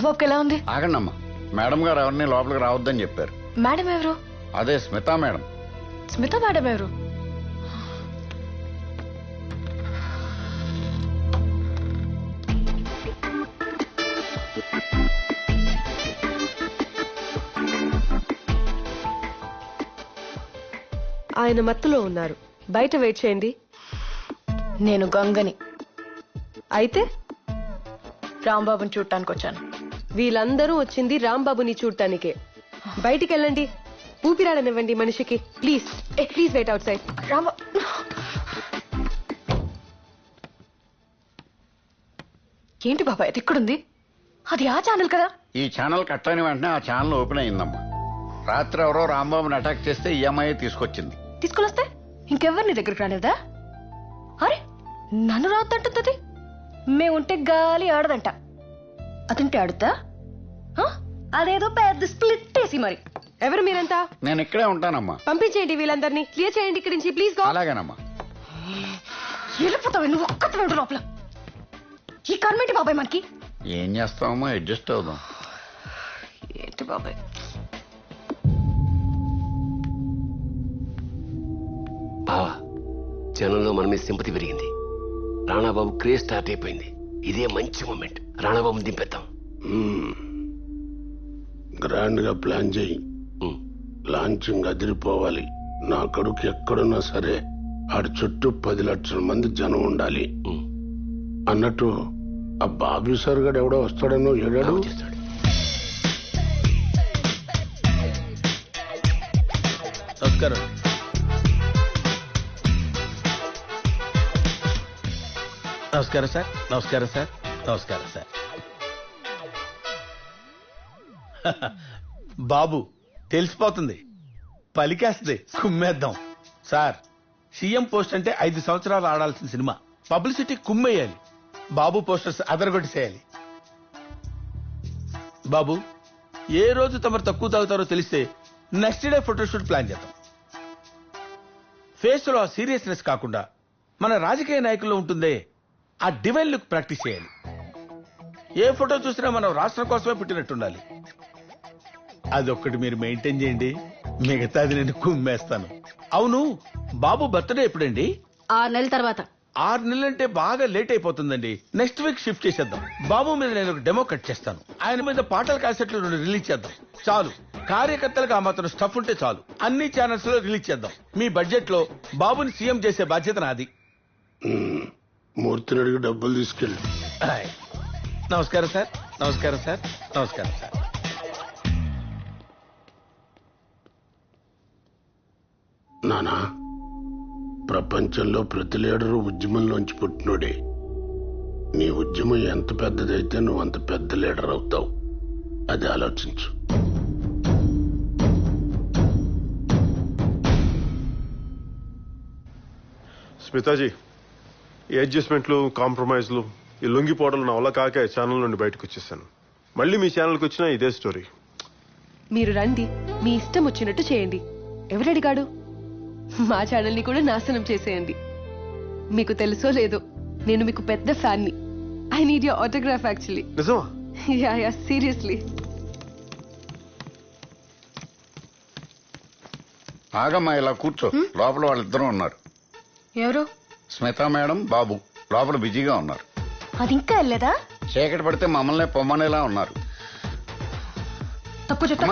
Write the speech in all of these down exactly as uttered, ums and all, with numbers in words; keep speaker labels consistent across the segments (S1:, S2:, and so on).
S1: రాంబాబుకి ఎలా ఉంది?
S2: ఆగండమ్మా, మేడం గారు ఎవరిని లోపలికి రావద్దని చెప్పారు.
S1: మేడం ఎవరు?
S2: అదే స్మితా మేడం.
S1: స్మిత మేడం ఎవరు?
S3: ఆయన మత్తులో ఉన్నారు, బయట వెయిట్ చేయండి.
S1: నేను గంగని.
S3: అయితే
S1: రాంబాబుని చూడటానికి వచ్చాను.
S3: వీళ్ళందరూ వచ్చింది రాంబాబుని చూడటానికే. బయటికి వెళ్ళండి, ఊపిరాడనివ్వండి మనిషికి. Please please wait outside.
S1: Rambabu ఏంటి బాబాయ్ అది ఇక్కడుంది? అది ఆ ఛానల్ కదా?
S2: ఈ ఛానల్ కట్ అయిన వెంటనే ఆ ఛానల్ ఓపెన్ అయిందమ్మా. రాత్రి ఎవరో రాంబాబుని అటాక్ చేస్తే ఈఎంఐ తీసుకొచ్చింది.
S1: తీసుకొస్తే ఇంకెవరిని దగ్గరికి రాలేదా? అరే నన్ను రావద్దంటుంది. మేముంటే గాలి ఆడదంట, అతుంటే ఆడుతా. అదేదో పెద్ద స్ప్లిట్ వేసి మరి.
S3: ఎవరు మీరంతా?
S2: నేను ఇక్కడే ఉంటానమ్మా.
S3: పంపించేయండి వీళ్ళందరినీ, క్లియర్ చేయండి ఇక్కడి నుంచి ప్లీజ్.
S2: అలాగేనమ్మా.
S1: వెళ్ళిపోతావు నువ్వు ఒక్కటి వెంట లోపల. ఈ కర్మేంటి బాబాయ్ మనకి?
S2: ఏం చేస్తామమ్మా, అడ్జస్ట్ అవుదాం.
S1: ఏంటి బాబాయ్?
S4: బావా, జనంలో మన మీద సింపతి పెరిగింది. రాణాబాబు క్రేజ్ స్టార్ట్ అయిపోయింది. ఇదే మంచి మూమెంట్. రాణాబాబుని దింపేద్దాం.
S5: గ్రాండ్ గా ప్లాన్ చేయి. లాంచింగ్ అదిరిపోవాలి. నా కడుకు ఎక్కడున్నా సరే ఆడి చుట్టూ పది లక్షల మంది జనం ఉండాలి. అన్నట్టు ఆ బాబీ సార్ గడు ఎవడో వస్తాడనో ఏడాడు
S4: చేస్తాడు.
S6: నమస్కారం. నమస్కారం సార్. నమస్కారం సార్. నమస్కారం సార్. బాబు తెలిసిపోతుంది, పలికేస్తుంది, కుమ్మేద్దాం. సార్, సీఎం పోస్ట్ అంటే ఐదు సంవత్సరాలు ఆడాల్సిన సినిమా. పబ్లిసిటీ కుమ్మేయాలి. బాబు పోస్టర్స్ అదరగొట్టేసేయాలి. బాబు, ఏ రోజు తమరు తక్కువ తాగుతారో తెలిస్తే నెక్స్ట్ డే ఫోటోషూట్ ప్లాన్ చేద్దాం. ఫేస్ లో ఆ సీరియస్నెస్ కాకుండా మన రాజకీయ నాయకుల్లో ఉంటుందే ఆ డివైన్ లుక్ ప్రాక్టీస్ చేయాలి. ఏ ఫోటో చూసినా మనం రాష్ట్రం కోసమే పుట్టినట్టుండాలి. అదొక్కటి మీరు మెయింటైన్ చేయండి, మిగతాది నేను కుమ్మేస్తాను. అవును, బాబు బర్త్డే ఎప్పుడండి?
S1: ఆరు నెలల తర్వాత.
S6: ఆరు నెలలంటే బాగా లేట్ అయిపోతుందండి. నెక్స్ట్ వీక్ షిఫ్ట్ చేసేద్దాం. బాబు మీద నేను ఒక డెమో కట్ చేస్తాను. ఆయన మీద పాటల క్యాసెట్లు రెండు రిలీజ్ చేద్దాం. చాలు, కార్యకర్తలకు ఆ మాత్రం స్టఫ్ ఉంటే చాలు. అన్ని ఛానల్స్ లో రిలీజ్ చేద్దాం. మీ బడ్జెట్ లో బాబుని సీఎం చేసే బాధ్యత నాది.
S5: మూర్తిని అడిగి డబ్బులు తీసుకెళ్ళి.
S6: నమస్కారం సార్. నమస్కారం సార్. నమస్కారం సార్.
S5: నానా, ప్రపంచంలో ప్రతి లీడరు ఉద్యమంలోంచి పుట్టినోడే. నీ ఉద్యమం ఎంత పెద్దదైతే నువ్వు అంత పెద్ద లీడర్ అవుతావు. అది ఆలోచించు.
S7: స్మితాజీ, ఈ అడ్జస్ట్మెంట్లు, కాంప్రమైజ్లు, ఈ లొంగిపోవడం నా వల్ల కాక ఛానల్ నుండి బయటకు వచ్చేసాను. మళ్ళీ మీ ఛానల్కి వచ్చినా ఇదే స్టోరీ.
S3: మీరు రండి, మీ ఇష్టం వచ్చినట్టు చేయండి. ఎవరడిగాడు? మా ఛానల్ని కూడా నాశనం చేసేయండి. మీకు తెలుసో లేదో, నేను మీకు పెద్ద ఫ్యాన్ని. I need your autograph actually.
S7: నిజమా?
S3: Yeah yeah seriously.
S2: ఆగమ్మా, ఇలా కూర్చో. లోపల వాళ్ళిద్దరూ ఉన్నారు.
S1: ఎవరు?
S2: స్మితా మేడం, బాబు లోపల బిజీగా ఉన్నారు.
S1: అది ఇంకా వెళ్ళలేదా?
S2: చీకటి పడితే మమ్మల్ని పొమ్మనేలా ఉన్నారు.
S1: తప్పు చెప్తా.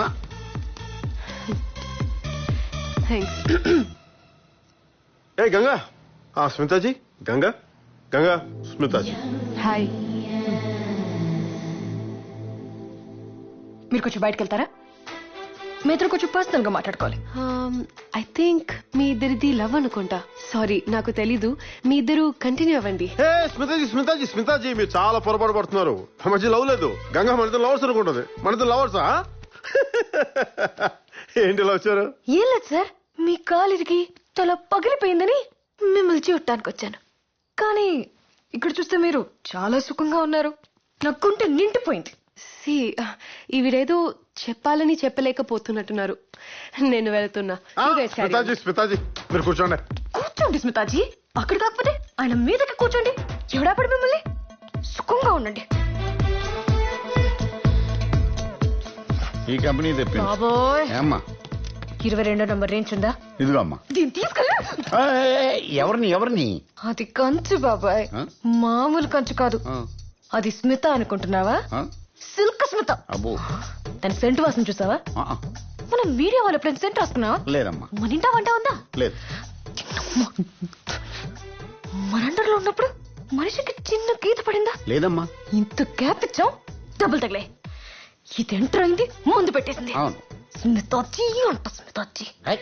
S3: థ్యాంక్స్.
S7: ఏ గంగా, ఆ స్మితాజీ, గంగా గంగా స్మితాజీ.
S3: హాయ్.
S1: మీరు కొంచెం బయటకు వెళ్తారా? మీ ఇద్దరు కొంచెం పర్సనల్ గా మాట్లాడుకోవాలి.
S3: ఐ థింక్ మీ ఇద్దరిది లవ్ అనుకుంటా. సారీ, నాకు తెలీదు. మీ ఇద్దరు కంటిన్యూ అవ్వండి.
S7: ఏ స్మితాజీ స్మితాజీ స్మితాజీ మీరు చాలా పొరపాటు పడుతున్నారు. మధ్య లవ్ లేదు. గంగా మన ఇద్దరు లవర్స్ అనుకుంటుంది. మన ఇద్దరు లవర్సా? ఏంటి ఇలా వచ్చారు?
S1: ఏం లేదు సార్, మీ కాలిరికి తల పగిలిపోయిందని మిమ్మల్ని చూడటానికి వచ్చాను. కానీ ఇక్కడ చూస్తే మీరు చాలా సుఖంగా ఉన్నారు. నాకు గుండె నిండిపోయింది.
S3: సి ఈవిడేదో చెప్పాలని చెప్పలేకపోతున్నట్టున్నారు. నేను వెళ్తున్నా. You guys carry on.
S7: స్మితాజీ స్మితాజీ మీరు కూర్చోండి.
S1: కూర్చోండి స్మితాజీ. అక్కడ కాకపోతే ఆయన మీదకి కూర్చోండి. ఎవడాపడి మిమ్మల్ని సుఖంగా ఉండండి.
S2: ఈ కంపెనీ తెప్పించు
S1: బాబోయ్
S2: ఏమ్మా
S1: ఇరవై రెండో నంబర్ రేంజ్ ఉందా?
S2: ఇదిగో అమ్మా
S1: దీన్ని తీసుకెళ్ళా.
S2: ఏయ్, ఎవరిని ఎవరిని
S1: అది కంచు బాబాయ్,
S2: ఆ?
S1: మామూలు కంచు కాదు.
S2: ఆ,
S1: అది స్మిత అనుకుంటున్నావా?
S2: ఆ?
S1: సిల్క్ స్మిత.
S2: అబ్బో
S1: దాని సెంటు వాసన చూసావా?
S2: ఆ, ఆ,
S1: మనం మీడియా వాళ్ళు ఎప్పుడైనా సెంట్ రాసుకున్నావా?
S2: లేదమ్మా
S1: మన ఇంటా వంట ఉందా?
S2: లేదు
S1: మన అండర్లో ఉన్నప్పుడు మనిషికి చిన్న గీత పడిందా?
S2: లేదమ్మా
S1: ఇంత గ్యాప్ ఇచ్చాం, డబ్బులు తగిలే. ఇది ఎంటర్ అయింది, ముందు పెట్టేసింది.
S2: అవును
S1: స్మితాచి అంట స్మితాచి.
S2: ఏయ్,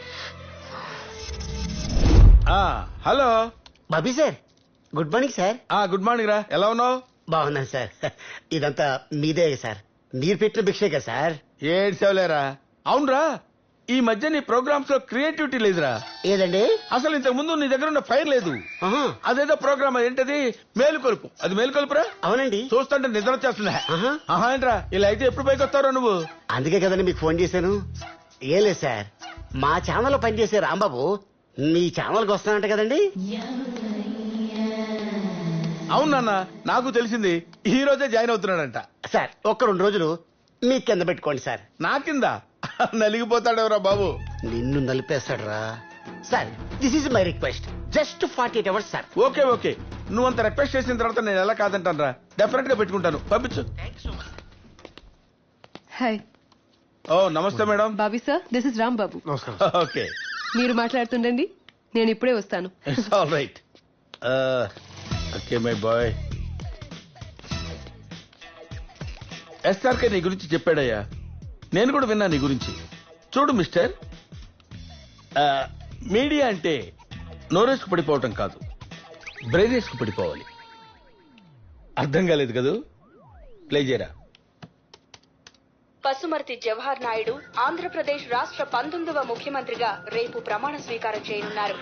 S6: ఆ, hello
S8: Bobby sir, good morning sir.
S6: ఆ గుడ్ మార్నింగ్ రా, ఎలా ఉన్నావు?
S8: బాగున్నాను సార్. ఇదంతా మీదే సార్, మీరు పెట్టిన భిక్షే కదా సార్.
S6: ఏడ్చావులేరా. అవునరా, ఈ మధ్య నీ ప్రోగ్రామ్స్ లో క్రియేటివిటీ లేదురా.
S8: ఏదండి?
S6: అసలు ఇంతకు ముందు నీ దగ్గర ఉన్న ఫైర్ లేదు.
S8: ఆహా,
S6: అదేదో ప్రోగ్రామ్ ఏంటది, మేలుకొలుపు. అది మేలుకొలుపురా.
S8: అవునండి.
S6: చూస్తుంటే నిద్ర వచ్చేస్తుందా?
S8: ఆహా.
S6: ఆహా ఏంట్రా, ఇలా అయితే ఎప్పుడు పైకి వస్తారో నువ్వు?
S8: అందుకే కదండి మీకు ఫోన్ చేశాను. ఏం లేదు సార్, మా ఛానల్లో పనిచేసే రాంబాబు మీ ఛానల్కి వస్తానంట కదండి.
S6: అవునన్న, నాకు తెలిసింది. ఈ రోజే జాయిన్ అవుతున్నాడంట.
S8: సార్ ఒక్క రెండు రోజులు మీ కింద పెట్టుకోండి సార్.
S6: నా కింద నలిగిపోతాడెవరా బాబు.
S8: నిన్ను నలిపేస్తాడు రా. Sir this is my request, just forty eight hours sir.
S6: Okay okay, నువ్వు అంత రిక్వెస్ట్ చేసిన తర్వాత నేను ఎలా కాదంటాను రా. డెఫినెట్ గా పెట్టుకుంటాను, పంపించు.
S3: హాయ్
S6: ఓ నమస్తే madam.
S3: Bobby sir, this is Ram Babu.
S7: నమస్కారం.
S6: ఓకే,
S3: మీరు మాట్లాడుతుండండి, నేను ఇప్పుడే వస్తాను.
S6: It's all right. Okay my boy. SRK నీ గురించి చెప్పాడయ్యా, నేను కూడా విన్నా నీ గురించి. చూడు మిస్టర్, ఆ, మీడియా అంటే నోరేసుకు పడిపోవటం కాదు, బ్రెయినేసుకు పడిపోవాలి. అర్థం కాలేదు కదూ? ప్లే చేయరా.
S9: పసుమర్తి జవహర్ నాయుడు ఆంధ్రప్రదేశ్ రాష్ట్ర పంతొమ్మిదవ ముఖ్యమంత్రిగా రేపు ప్రమాణ స్వీకారం చేయనున్నారు.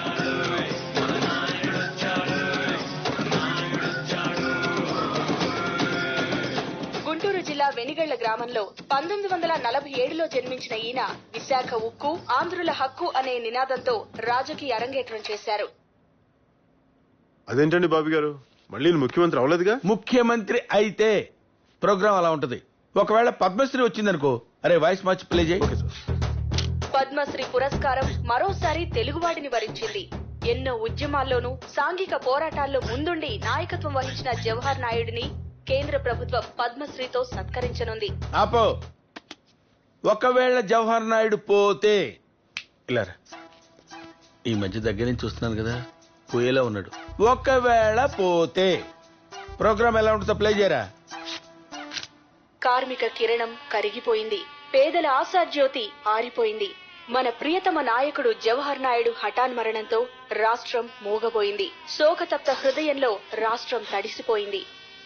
S9: గుంటూరు జిల్లా వెనిగళ్ల గ్రామంలో పంతొమ్మిది వందల నలభై ఏడులో జన్మించిన ఈయన విశాఖ ఉక్కు, ఆంధ్రుల హక్కు అనే నినాదంతో రాజకీయ అరంగేట్రం చేశారు.
S7: అదేంటండి బాబీ గారు, మళ్ళీ ఈయన ముఖ్యమంత్రి అవ్వలేదుగా?
S6: ముఖ్యమంత్రి అయితే ప్రోగ్రామ్ అలా ఉంటది. ఒకవేళ పద్మశ్రీ వచ్చిందనుకో, అరే వాయిస్ మార్చి ప్లే చేయి.
S9: పద్మశ్రీ పురస్కారం మరోసారి తెలుగువాడిని వరించింది. ఎన్నో ఉద్యమాల్లోనూ సాంఘిక పోరాటాల్లో ముందుండి నాయకత్వం వహించిన జవహర్ నాయుడిని కేంద్ర ప్రభుత్వం పద్మశ్రీతో సత్కరించనుంది.
S6: ఆపో. ఒకవేళ జవహర్ నాయుడు పోతే ఇలా రా. ఈ మధ్య దగ్గర నుంచి చూస్తున్నాను కదా, పోయేలా ఉన్నాడు. ఒకవేళ పోతే ప్రోగ్రామ్ ఎలా ఉంటుందో ప్లే చేయరా.
S9: కార్మిక కిరణం కరిగిపోయింది, పేదల ఆశాజ్యోతి ఆరిపోయింది. మన ప్రియతమ నాయకుడు జవహర్ నాయుడు హఠాన్మరణంతో రాష్ట్రం మూగబోయింది. శోకతప్త హృదయంలో రాష్ట్రం తడిసిపోయింది.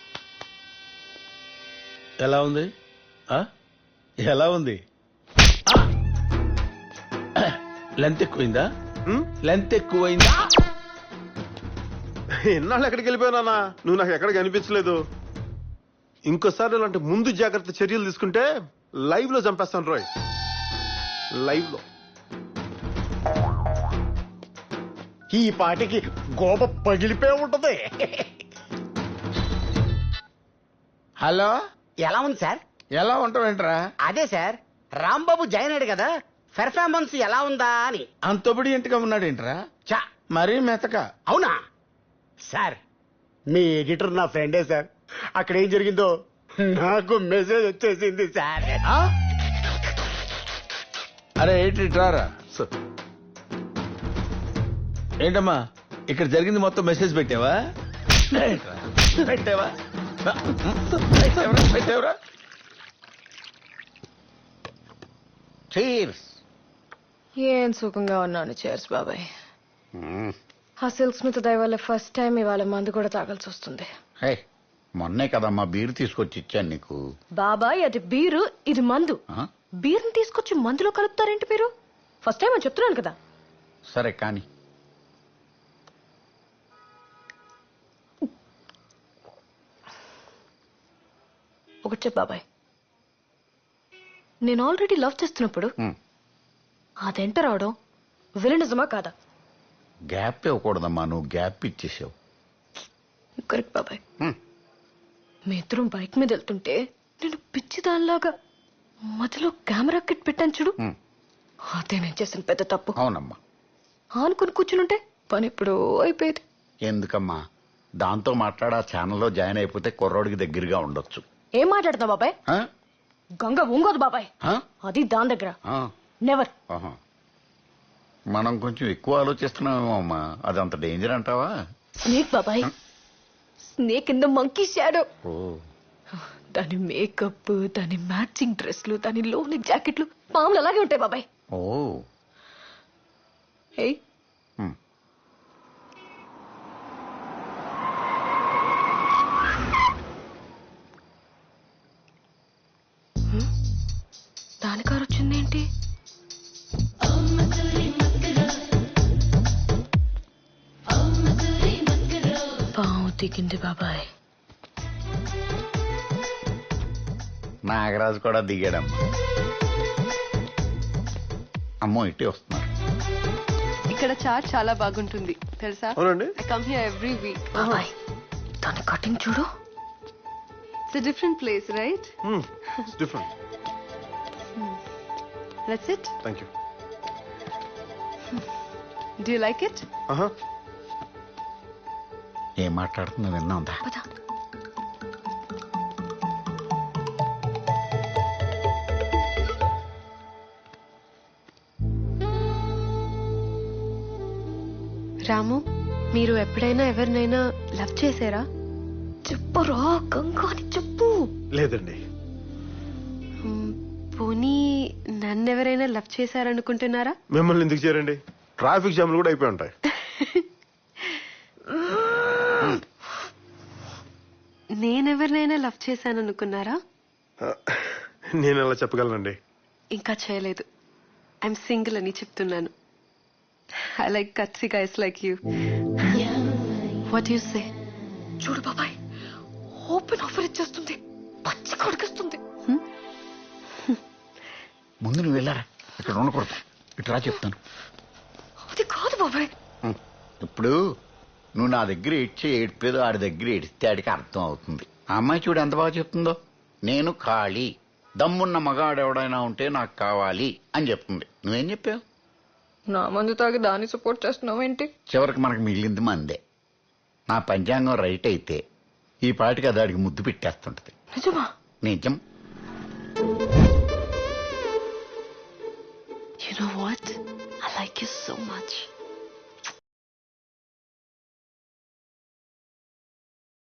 S6: ఎలా ఉంది? ఆ? ఎలా ఉంది? లెంత్ ఎక్కువైందా?
S7: హ్మ్?
S6: లెంత్ ఎక్కువైందా?
S7: ఎన్నాళ్ళు ఎక్కడికి వెళ్ళిపోయానా? నువ్వు నాకు ఎక్కడ కనిపించలేదు. ఇంకోసారి ఇలాంటి ముందు జాగ్రత్త చర్యలు తీసుకుంటే లైవ్ లో చంపేస్తాను రోయ్. లైవ్ లో.
S8: ఈ పాటికి గోప పగిలిపోయి ఉంటది.
S6: హలో,
S8: ఎలా ఉంది సార్?
S6: ఎలా ఉంటావేంట్రా?
S8: అదే సార్, రాంబాబు జాయిన్ అయ్యాడు కదా, పెర్ఫార్మెన్స్ ఎలా ఉందా అని.
S6: అంతొబడి ఇంటిగా ఉన్నాడేంట్రా?
S8: చా,
S6: మరీ మెతక.
S8: అవునా సార్? మీ ఎడిటర్ నా ఫ్రెండే సార్. అక్కడ ఏం జరిగిందో నాకు మెసేజ్ వచ్చేసింది సార్.
S6: ఆ? అరే ఏంటి రారా.
S7: సార్
S6: ఏంటమ్మా ఇక్కడ జరిగింది మొత్తం మెసేజ్ పెట్టావా? ఏంట్రా? పెట్టావా? పెట్టావరా? పెట్టావరా?
S8: చీర్స్.
S1: ఏం సుఖంగా ఉన్నాను. చేర్స్ బాబాయ్.
S2: మ్మ్.
S1: ఆ సిల్క్ స్మిత్ దయ వల్ల ఫస్ట్ టైం ఇవాళ మందు కూడా తాగాల్సి వస్తుంది.
S2: హే, మొన్నే కదమ్మా బీరు తీసుకొచ్చి ఇచ్చాను నీకు.
S1: బాబాయ్ అది బీరు, ఇది మందు.
S2: ఆ?
S1: బీర్ని తీసుకొచ్చి మందులో కలుపుతారేంటి మీరు? ఫస్ట్ టైం అని చెప్తున్నాను కదా.
S2: సరే కానీ
S1: ఒకటి చెప్పు బాబాయ్, నేను ఆల్రెడీ లవ్ చేస్తున్నప్పుడు
S2: మ్మ్.
S1: అదెంట రావడం విలనిజమా కాదా?
S2: గ్యాప్ ఇవ్వకూడదమ్మా, నువ్వు గ్యాప్ ఇచ్చేసావు.
S1: కరెక్ట్ బాబాయ్.
S2: మ్మ్.
S1: మీ ఇద్దరం బైక్ మీద వెళ్తుంటే నేను పిచ్చి దానిలాగా మధ్యలో కెమెరా కిట్ పెట్టాను చూడు,
S2: ఉమ్,
S1: అదే నేను చేసిన పెద్ద తప్పు.
S2: అవునమ్మా.
S1: ఆనుకుని కూర్చునుంటే పని ఎప్పుడో అయిపోయేది.
S2: ఎందుకమ్మా దాంతో మాట్లాడి ఆ ఛానల్లో జాయిన్ అయిపోతే కుర్రోడికి దగ్గరగా ఉండొచ్చు.
S1: ఏం మాట్లాడుతున్నావు బాబాయ్?
S2: ఆ?
S1: గంగ ఉంగోదు బాబాయ్,
S2: ఆ?
S1: అది దాని దగ్గర.
S2: ఆ.
S1: నెవర్.
S2: ఆహా. మనం కొంచెం ఎక్కువ ఆలోచిస్తున్నామేమో అమ్మా. అది అంత డేంజర్ అంటావా?
S1: స్నేక్ బాబాయ్, snake in the monkey shadow.
S2: ఓ
S1: దాని మేకప్, దాని మ్యాచింగ్ డ్రెస్లు, దాని లోని జాకెట్లు పాములు అలాగే ఉంటాయి బాబాయ్.
S2: ఓ
S1: ఏయ్,
S2: ఉమ్.
S1: దాని కారు వచ్చిందేంటి? పాము దిగింది బాబాయ్.
S2: నాగరాజు కూడా దిగాడమ్మా. అమ్మో ఇటే వస్తున్నారు.
S3: ఇక్కడ చాట్ చాలా బాగుంటుంది తెలుసా?
S7: అవునండి.
S3: I come here every week.
S1: బాబాయ్ దాని కటింగ్ చూడు.
S3: It's a different place right?
S7: Different.
S3: Let's it.
S7: Thank you.
S3: Do you like it?
S7: ఆహా.
S2: ఏం మాట్లాడుతుందో విన్నాందా?
S1: పద.
S3: రాము, మీరు ఎప్పుడైనా ఎవరినైనా లవ్ చేశారా?
S1: చెప్పరా గంగా అని చెప్పు.
S7: లేదండి.
S3: మ్, పోనీ నన్నెవరైనా లవ్ చేశారనుకుంటున్నారా?
S7: మిమ్మల్ని ఎందుకు చేరండి? ట్రాఫిక్ జామ్లు కూడా అయిపోయి ఉంటాయి.
S3: నేనెవరినైనా లవ్ చేశాననుకున్నారా?
S7: నేను ఎలా చెప్పగలనండి?
S3: ఇంకా చేయలేదు. ఐఎమ్ సింగిల్ అని చెప్తున్నాను. ఐ లైక్ కత్సి guys like you. What you say?
S1: చూడు బాబాయ్, ఓపెన్ ఆఫర్ ఇచ్చేస్తుంది, పచ్చి కొడుకొస్తుంది.
S2: ముందు నువ్వు వెళ్ళారా? ఇక్కడ ఉండకూడదు. ఇటు రా చెప్తాను.
S1: అది కాదు బాబాయ్.
S2: ఉం. ఇప్పుడు నువ్వు నా దగ్గర ఏడ్చే ఏడ్పేదో ఆడి దగ్గర ఏడిస్తే ఆడికి అర్థం అవుతుంది. ఆ అమ్మాయి చూడు ఎంత బాగా చెప్తుందో. నేను ఖాళీ, దమ్మున్న మగాడు ఎవడైనా ఉంటే నాకు కావాలి అని చెప్తుంది. నువ్వేం చెప్పావు?
S1: నా మందు తాగి దాన్ని సపోర్ట్ చేస్తున్నావు ఏంటి?
S2: చివరికి మనకు మిగిలింది మందే. నా పంచాంగం రైట్ అయితే ఈ పాటికి అది ఆడికి ముద్దు పెట్టేస్తుంటది.
S1: నిజమా?
S2: నిజం.
S3: You know what? I like you so much.